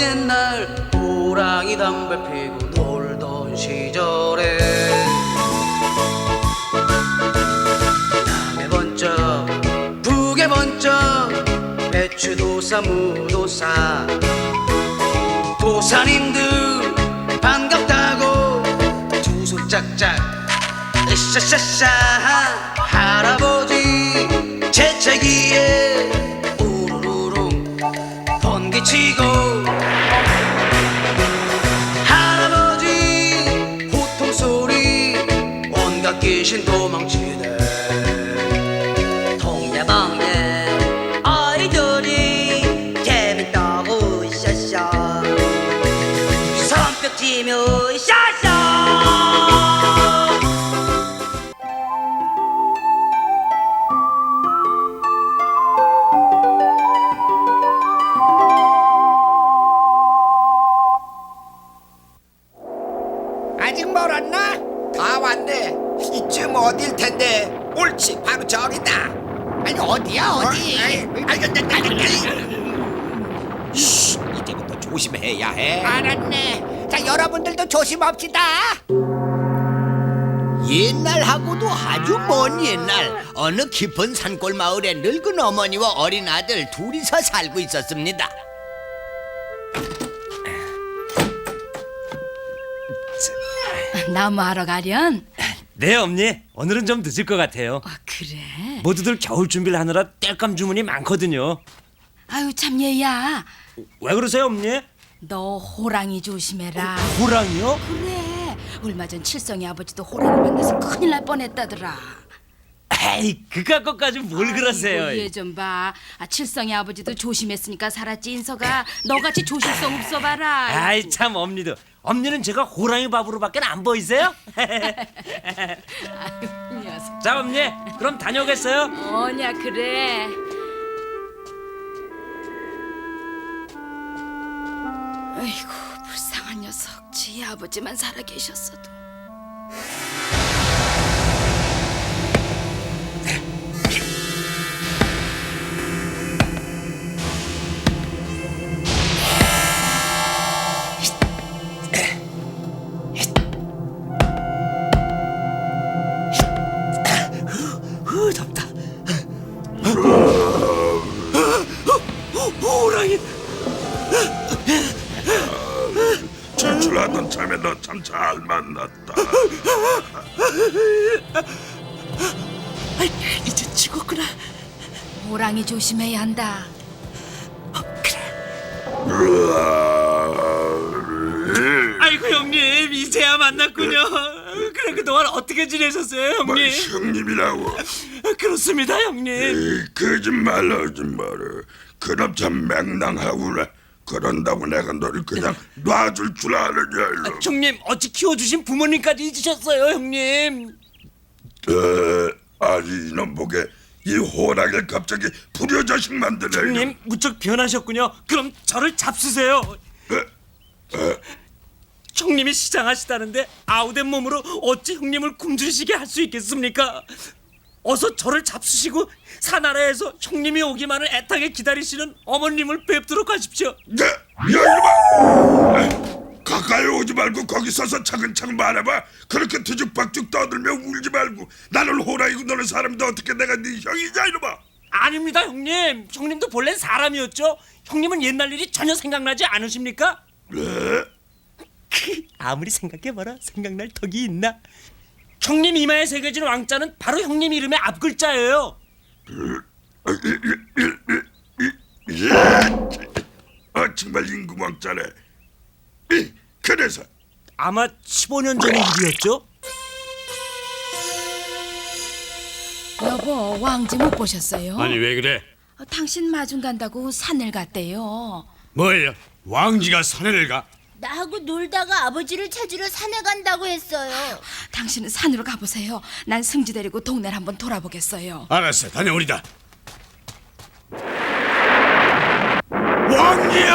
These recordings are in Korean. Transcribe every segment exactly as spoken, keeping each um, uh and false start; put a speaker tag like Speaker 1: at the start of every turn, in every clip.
Speaker 1: 옛날 호랑이 담배 피고 놀던 시절에 남해 번쩍 북에 번쩍 배추도사 무도사 도사님들 반갑다고 두 손 짝짝 으쌰쌰쌰 할아버지 재채기에 우르르릉 번개치고 할아버지 호통소리 온갖 귀신 도망치네 동네방네 아이들이 재밌다고 으쌰쌰 손뼉 치며 으쌰쌰
Speaker 2: 아직 멀었나? 다 왔네. 이쯤 어딜 텐데. 옳지, 바로 저기다. 아니 어디야 어디? 쉿, 이제부터 조심해야 해. 알았네. 자, 여러분들도 조심합시다.
Speaker 3: 옛날하고도 아주 먼 옛날 어느 깊은 산골 마을에 늙은 어머니와 어린 아들 둘이서 살고 있었습니다.
Speaker 4: 나무하러 가련?
Speaker 5: 네, 엄니. 오늘은 좀 늦을 것 같아요.
Speaker 4: 아, 그래?
Speaker 5: 모두들 겨울 준비를 하느라 땔감 주문이 많거든요.
Speaker 4: 아유 참 얘야,
Speaker 5: 왜 그러세요, 엄니?
Speaker 4: 너 호랑이 조심해라.
Speaker 5: 호랑이요?
Speaker 4: 그래, 얼마 전 칠성이 아버지도 호랑이 만나서 큰일 날 뻔했다더라.
Speaker 5: 에이, 그깟 것까지 뭘 그러세요?
Speaker 4: 얘 좀 봐. 아, 칠성이 아버지도 조심했으니까 살았지. 인서가 너같이 조심성 없어 봐라.
Speaker 5: 아이, 참 엄니도. 엄니는 제가 호랑이 밥으로밖에 안 보이세요?
Speaker 4: 아유, 녀석.
Speaker 5: 자, 엄니. 그럼 다녀오겠어요.
Speaker 4: 뭐냐 그래. 아이고 불쌍한 녀석. 지 아버지만 살아 계셨어도.
Speaker 5: 후, 덥다. 호랑이.
Speaker 6: 출출하던 참에 너 참 잘 만났다.
Speaker 5: 이제 죽었구나.
Speaker 4: 호랑이 조심해야 한다.
Speaker 5: 아이고, 형님. 이제야 만났군요. 그래, 그동안 어떻게 지내셨어요,
Speaker 6: 뭐
Speaker 5: 형님?
Speaker 6: 형님이라고?
Speaker 5: 그렇습니다, 형님.
Speaker 6: 에이, 거짓말 하지 마라. 그럼 참 맹랑하구나. 그런다고 내가 너를 그냥 놔줄 줄 아느냐 이놈.
Speaker 5: 형님, 어찌 키워주신 부모님까지 잊으셨어요, 형님.
Speaker 6: 에, 아니 이놈 보게 이 호랑이를 갑자기 불효자식 만드네.
Speaker 5: 형님, 무척 변하셨군요. 그럼 저를 잡수세요. 형님이 시장하시다는데 아우된 몸으로 어찌 형님을 굶주리시게 할 수 있겠습니까? 어서 저를 잡수시고 사나라에서 형님이 오기만을 애타게 기다리시는 어머님을 뵙도록 하십시오.
Speaker 6: 네, 야 이놈아! 가까이 오지 말고 거기 서서 차근차근 말해봐. 그렇게 뒤죽박죽 떠들며 울지 말고. 나는 호랑이고 너는 사람인데 어떻게 내가 네 형이냐 이놈아.
Speaker 5: 아닙니다, 형님. 형님도 본래 사람이었죠. 형님은 옛날 일이 전혀 생각나지 않으십니까?
Speaker 6: 네?
Speaker 5: 아무리 생각해봐라 생각날 턱이 있나? 형님 이마에 새겨진 왕자는 바로 형님 이름의 앞글자예요.
Speaker 6: 아 정말 임금왕자네. 그래서
Speaker 5: 아마 십오 년 전의 일이었죠?
Speaker 4: 여보, 왕지 못 보셨어요?
Speaker 7: 아니 왜 그래?
Speaker 4: 어, 당신 마중 간다고 산을 갔대요.
Speaker 7: 뭐예요? 왕지가 산에를 가?
Speaker 8: 나하고 놀다가 아버지를 찾으러 산에 간다고 했어요.
Speaker 4: 당신은 산으로 가보세요. 난 승지 데리고 동네를 한번 돌아보겠어요.
Speaker 7: 알았어, 다녀오리다. 왕기야!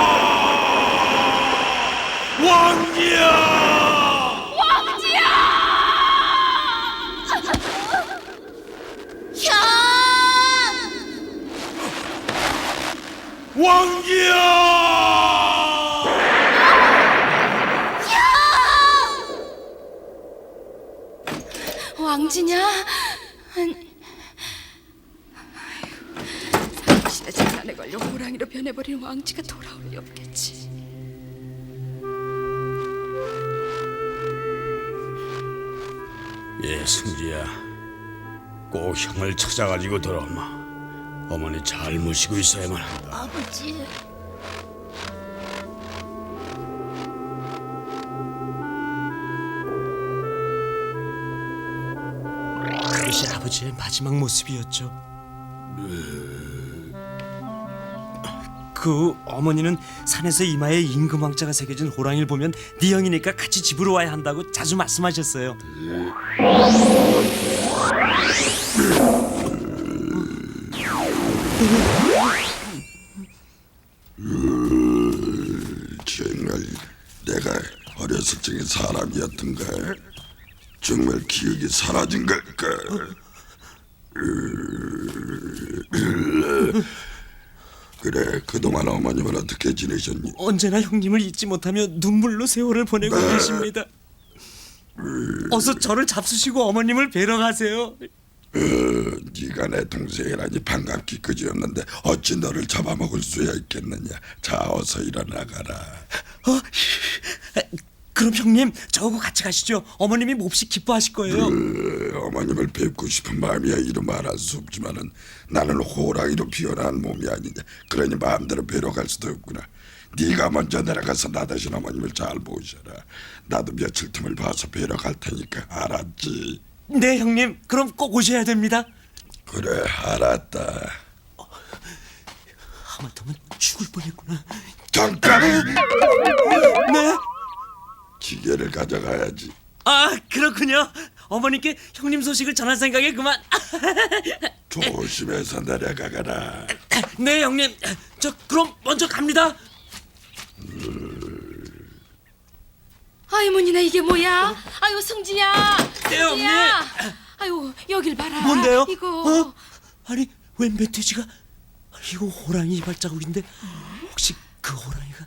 Speaker 7: 왕기야!
Speaker 8: 형!
Speaker 7: 왕기야!
Speaker 4: 왕지냐? 사실에 장난에 걸려 호랑이로 변해버린 왕지가 돌아올 리 없겠지.
Speaker 7: 예, 승지야. 꼭 형을 찾아가지고 돌아오마. 어머니 잘 모시고 있어야만 한다.
Speaker 8: 아버지.
Speaker 5: 그것이 아버지의 마지막 모습이었죠. 그 어머니는 산에서 이마에 임금왕자가 새겨진 호랑이를 보면 네 형이니까 같이 집으로 와야 한다고 자주 말씀하셨어요.
Speaker 6: 정말 내가 어렸을 적에 사람이었던가? 정말 기억이 사라진 걸까? 그래, 그동안 어머님은 어떻게 지내셨니?
Speaker 5: 언제나 형님을 잊지 못하며 눈물로 세월을 보내고 계십니다. 어서 저를 잡수시고 어머님을 뵈러 가세요.
Speaker 6: 네가 내 동생이라니 반갑기 그지없는데 어찌 너를 잡아먹을 수야 있겠느냐. 자, 어서 일어나가라.
Speaker 5: 어? 그럼 형님 저하고 같이 가시죠. 어머님이 몹시 기뻐하실 거예요.
Speaker 6: 그, 어머님을 뵙고 싶은 마음이야 이루 말할 수 없지만은 나는 호랑이로 피어난 몸이 아니냐. 그러니 마음대로 뵈러 갈 수도 없구나. 네가 먼저 내려가서 나 대신 어머님을 잘 모셔라. 나도 며칠 틈을 봐서 뵈러 갈 테니까. 알았지?
Speaker 5: 네 형님, 그럼 꼭 오셔야 됩니다.
Speaker 6: 그래, 알았다.
Speaker 5: 하마터면 죽을 뻔했구나.
Speaker 6: 잠깐!
Speaker 5: 네?
Speaker 6: 기계를 가져가야지.
Speaker 5: 아, 그렇군요. 어머니께 형님 소식을 전할 생각에 그만.
Speaker 6: 조심해서 내려가거라.
Speaker 5: 네 형님, 저 그럼 먼저 갑니다.
Speaker 4: 아이모니나 이게 뭐야? 아유 승지야.
Speaker 5: 네 언니.
Speaker 4: 승지야. 아유 여길 봐라.
Speaker 5: 뭔데요?
Speaker 4: 이거.
Speaker 5: 어? 아니 웬 멧돼지가? 이거 호랑이 발자국인데 혹시 그 호랑이가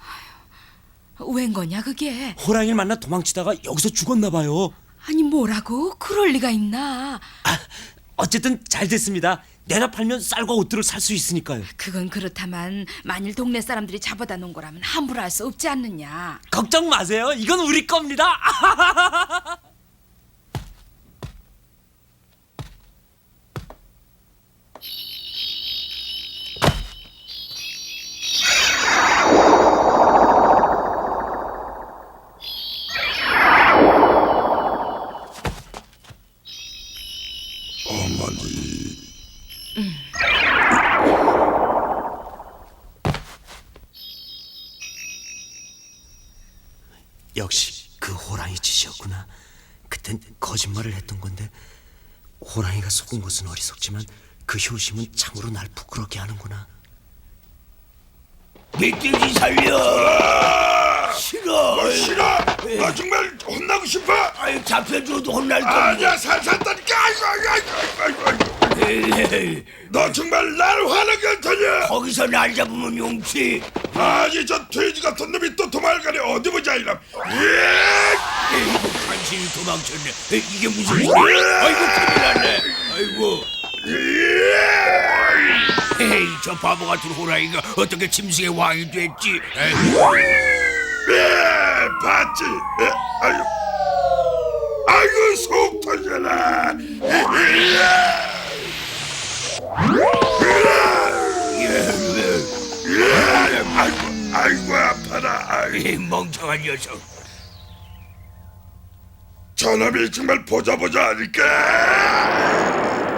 Speaker 4: 웬 거냐 그게?
Speaker 5: 호랑이를 만나 도망치다가 여기서 죽었나 봐요.
Speaker 4: 아니 뭐라고? 그럴 리가 있나?
Speaker 5: 아, 어쨌든 잘 됐습니다. 내가 팔면 쌀과 옷들을 살 수 있으니까요.
Speaker 4: 그건 그렇다만 만일 동네 사람들이 잡아다 놓은 거라면 함부로 할 수 없지 않느냐.
Speaker 5: 걱정 마세요. 이건 우리 겁니다.
Speaker 6: 어머니.
Speaker 5: 역시 그 호랑이 짓이었구나. 그땐 거짓말을 했던 건데 호랑이가 속은 것은 어리석지만 그 효심은 참으로 날 부끄럽게 하는구나.
Speaker 3: 멧돼지 살려. 싫어.
Speaker 6: 너 싫어? 너 정말 혼나고 싶어?
Speaker 3: 아유, 잡혀줘도 혼날 건데.
Speaker 6: 아니야, 살살다니까. 아이고, 아이고, 아이고, 아이고, 아이고.
Speaker 3: 에이,
Speaker 6: 너 정말 나를 화나게 할 테냐?
Speaker 3: 거기서 날 잡으면 용치.
Speaker 6: 아니, 저 돼지 같은 놈이 또 도망가네. 어디 보자, 이놈. 예!
Speaker 3: 에이구, 간신히 도망쳤네. 에이, 이게 무슨 소리야? 아이고, 큰일 났네. 아이고.
Speaker 6: 예!
Speaker 3: 에이, 저 바보 같은 호랑이가 어떻게 짐승의 왕이 됐지? 에이구.
Speaker 6: 예! 봤지? 예? 아이고. 아이고, 속 터져라. 예! 아이고, 아이고, 아파라. 아이고.
Speaker 3: 이 멍청한 녀석.
Speaker 6: 저놈이 정말 보자 보자 하니까.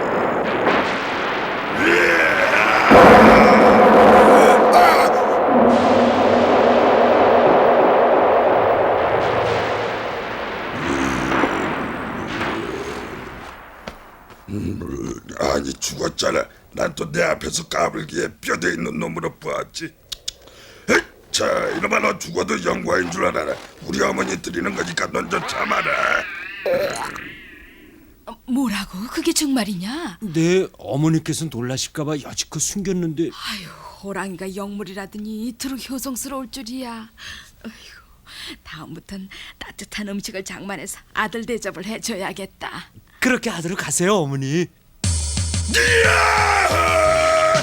Speaker 6: 음, 아니 죽었잖아. 난 또 내 앞에서 까불기에 뼈대 있는 놈으로 보았지. 에이, 자, 이놈아, 너 죽어도 영광인 줄 알아라. 우리 어머니 드리는 거니까 넌 좀 참아라.
Speaker 4: 뭐라고? 그게 정말이냐?
Speaker 5: 네, 어머니께서 놀라실까봐 여지껏 숨겼는데.
Speaker 4: 아유 호랑이가 영물이라더니 이토록 효성스러울 줄이야. 아이고 다음부턴 따뜻한 음식을 장만해서 아들 대접을 해줘야겠다.
Speaker 5: 그렇게 하도록 하세요, 어머니.
Speaker 6: 이야!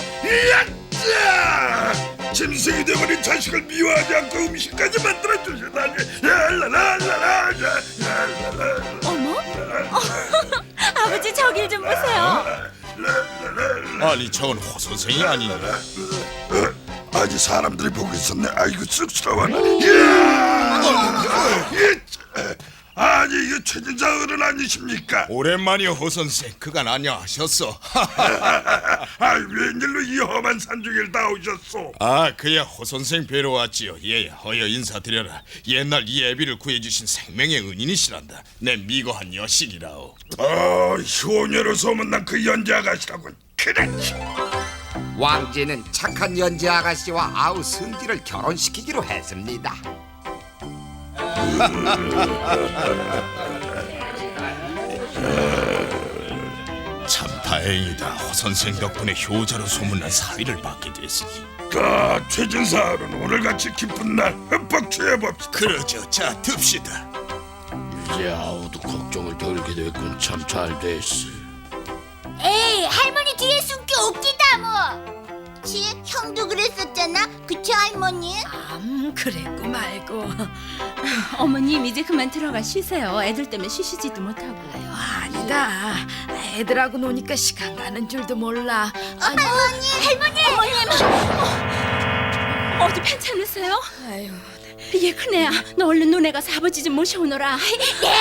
Speaker 6: 이야! 짐승이 되버린 자식을 미워하지 않고 음식까지 만들어 주시다니. 랄랄랄랄라.
Speaker 8: 어머? 아버지 저길 좀 보세요.
Speaker 9: 아니 저건 호 선생이 아니냐?
Speaker 6: 아니 사람들이 보고 있었네. 아이고 쑥스러워. 이야! 아니 이거 최진사 어른 아니십니까?
Speaker 9: 오랜만이요 호 선생. 그간 안녕하셨어.
Speaker 6: 아 웬일로 이 험한 산중을 다 오셨소?
Speaker 9: 아 그야 호 선생 뵈러 왔지요. 예 허여 인사드려라. 옛날 이 애비를 구해주신 생명의 은인이시란다. 내 미거한 여신이라오.
Speaker 6: 어 효녀로 소문난 그 연재 아가씨라군. 그래.
Speaker 2: 왕제는 착한 연재 아가씨와 아우 승기를 결혼시키기로 했습니다.
Speaker 9: 참 다행이다. 호 선생 덕분에 효자로 소문난 사위를 받게 됐으니.
Speaker 6: 자 최진사 어른 오늘같이 기쁜 날 흠뻑 취해봅시다.
Speaker 9: 그러죠. 자 듭시다.
Speaker 7: 이제 아우도 걱정을 덜게 됐군. 참 잘 됐어.
Speaker 8: 에이 할머니 뒤에 숨기 웃기다 뭐. 치 형도 그랬었잖아. 그치 할머니?
Speaker 4: 암 그랬고 말고. 어머님 이제 그만 들어가 쉬세요. 애들 때문에 쉬시지도 못하고. 아니다. 애들하고 노니까 시간 가는 줄도 몰라. 아니,
Speaker 8: 할머니 할머니 할머니.
Speaker 4: 어, 어디 괜찮으세요? 아유, 얘 큰애야. 너 얼른 논에 가서 아버지 좀 모셔오너라.
Speaker 8: 네.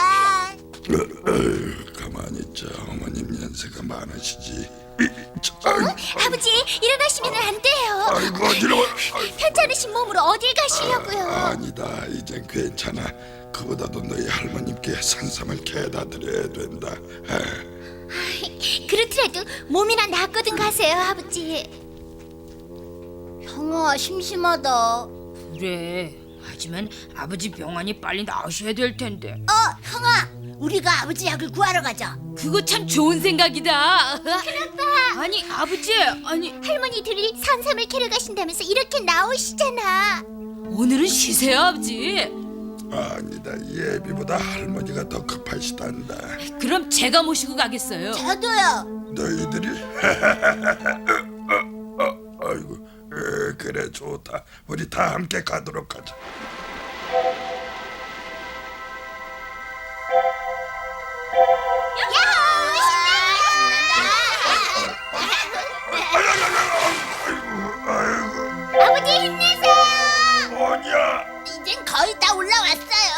Speaker 6: 가만히 있자. 어머님 연세가 많으시지.
Speaker 8: 어? 아버지 일어나시면 안 돼요.
Speaker 6: 아이고 어지러워.
Speaker 8: 편찮으신 몸으로 어딜 가시려고요?
Speaker 6: 아니다 이젠 괜찮아. 그보다도 너희 할머님께 산삼을 캐다 드려야 된다.
Speaker 8: 그렇더라도 몸이나 낫거든 가세요 아버지. 형아 심심하다.
Speaker 4: 그래. 하지만 아버지 병원이 빨리 나으셔야 될 텐데.
Speaker 8: 어 형아 우리가 아버지 약을 구하러 가자.
Speaker 4: 그거 참 좋은 생각이다.
Speaker 8: 큰아빠
Speaker 4: 아니 아버지, 아니
Speaker 8: 할머니들이 산삼을 캐러 가신다면서 이렇게 나오시잖아.
Speaker 4: 오늘은 쉬세요 아버지.
Speaker 6: 아니다 예비보다 할머니가 더 급하시단다.
Speaker 4: 그럼 제가 모시고 가겠어요.
Speaker 8: 저도요.
Speaker 6: 너희들이 어, 어, 아이고 에, 그래 좋다. 우리 다 함께 가도록 하자. 아이고
Speaker 8: 아버지 힘내세요.
Speaker 6: 뭐냐?
Speaker 8: 이젠 거의 다 올라왔어요.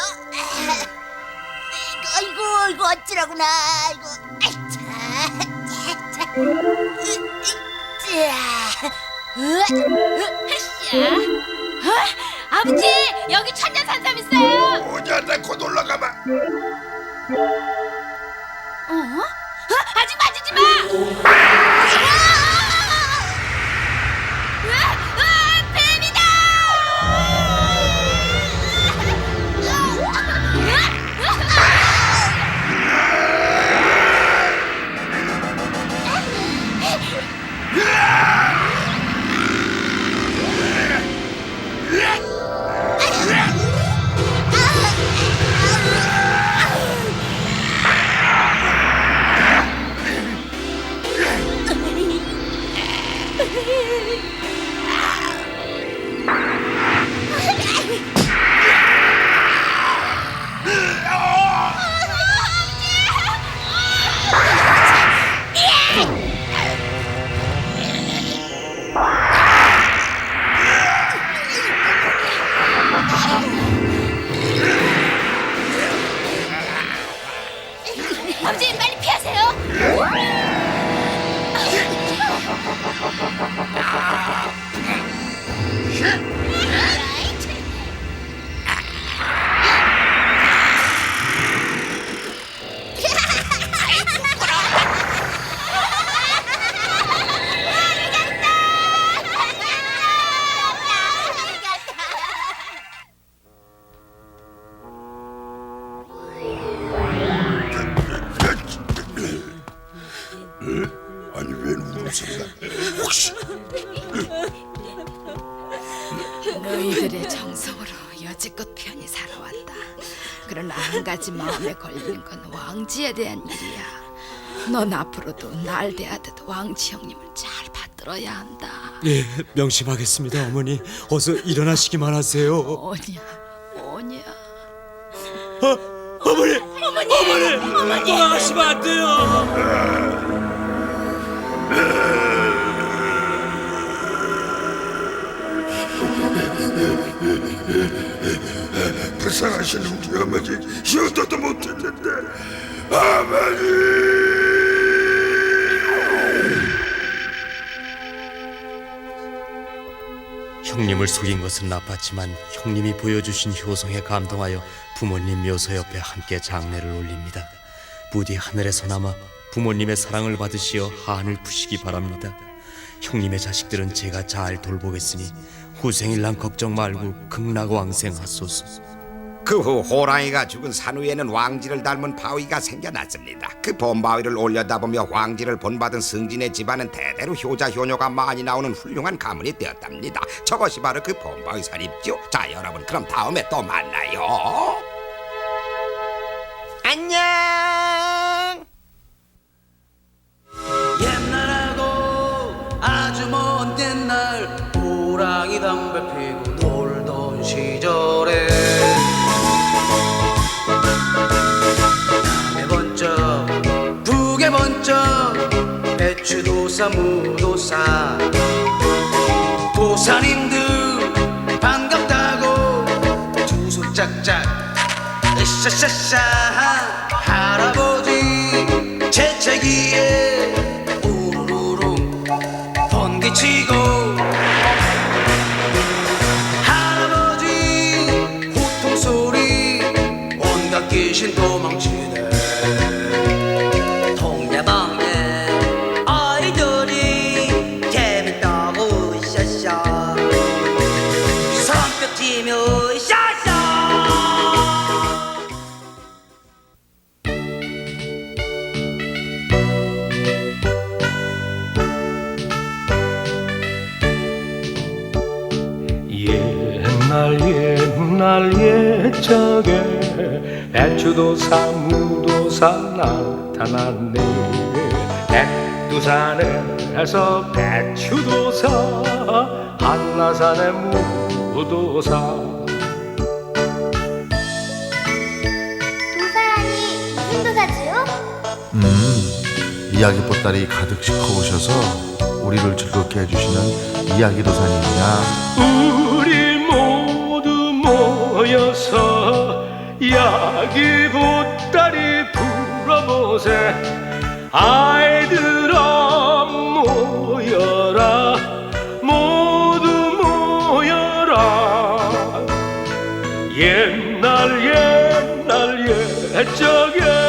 Speaker 8: 이거 이거 이거 어찌라구나. 이거 아이 자, 자, 자. 으, 으, 자. 으, 으, 으쌰.
Speaker 4: 어? 아버지 여기 천년산삼 있어요.
Speaker 6: 뭐냐 나 곧 올라가봐.
Speaker 4: 어? 어? 아직 만지지 마. 으아! 으아! 뱀이다. 아버지 빨리 피하세요.
Speaker 6: 아니 웬 울음소리가? 혹시
Speaker 4: 너희들의 정성으로 여지껏 편히 살아왔다. 그럼 그러나 한 가지 마음에 걸리는 건 왕지에 대한 일이야. 넌 앞으로도 날 대하듯 왕지 형님을 잘 받들어야 한다.
Speaker 5: 예, 명심하겠습니다, 어머니. 어서 일어나시기만 하세요.
Speaker 4: 오냐, 오냐.
Speaker 5: 어머니, 어머니, 어머니, 어머니, 돌아가시면 안 돼요.
Speaker 6: 불쌍하신 우리 어머니 효도도 못했는데 어머니.
Speaker 10: 형님을 속인 것은 나빴지만 형님이 보여주신 효성에 감동하여 부모님 묘소 옆에 함께 장례를 올립니다. 부디 하늘에서나마 부모님의 사랑을 받으시어 한을 푸시기 바랍니다. 형님의 자식들은 제가 잘 돌보겠으니 후생일랑 걱정 말고 극락왕생하소서.
Speaker 2: 그 후 호랑이가 죽은 산 위에는 왕지를 닮은 바위가 생겨났습니다. 그 범바위를 올려다보며 왕지를 본받은 승진의 집안은 대대로 효자 효녀가 많이 나오는 훌륭한 가문이 되었답니다. 저것이 바로 그 범바위살입죠. 자, 여러분, 그럼 다음에 또 만나요. 안녕.
Speaker 1: 옛날하고 아주 먼 옛날 호랑이 담배 피고 놀던 시절에 남해 번쩍 북에 번쩍 배추도사 무도사 도사님들 반갑다고 두 손 짝짝 으쌰쌰쌰 할아버지 재채기에 우르르 번개치고 할아버지 호통소리 온갖 귀신 도망치네. 동네방네 아이들이 재밌다고 으쌰쌰 손뼉 치며 으쌰쌰.
Speaker 11: 옛날 옛날 옛적에 배추도사 무도사 나타났네. 백두산에서 배추도사 한라산에 무도사.
Speaker 8: 도사라니 무슨 도사지요?
Speaker 12: 음, 이야기 보따리 가득 싣어오셔서 우리를 즐겁게 해주시는 이야기 도사님이야.
Speaker 11: 우리 모두 모여서 이야기 보따리 불어보세. 아이들아 모여라, 모두 모여라. 옛날 옛날 옛적에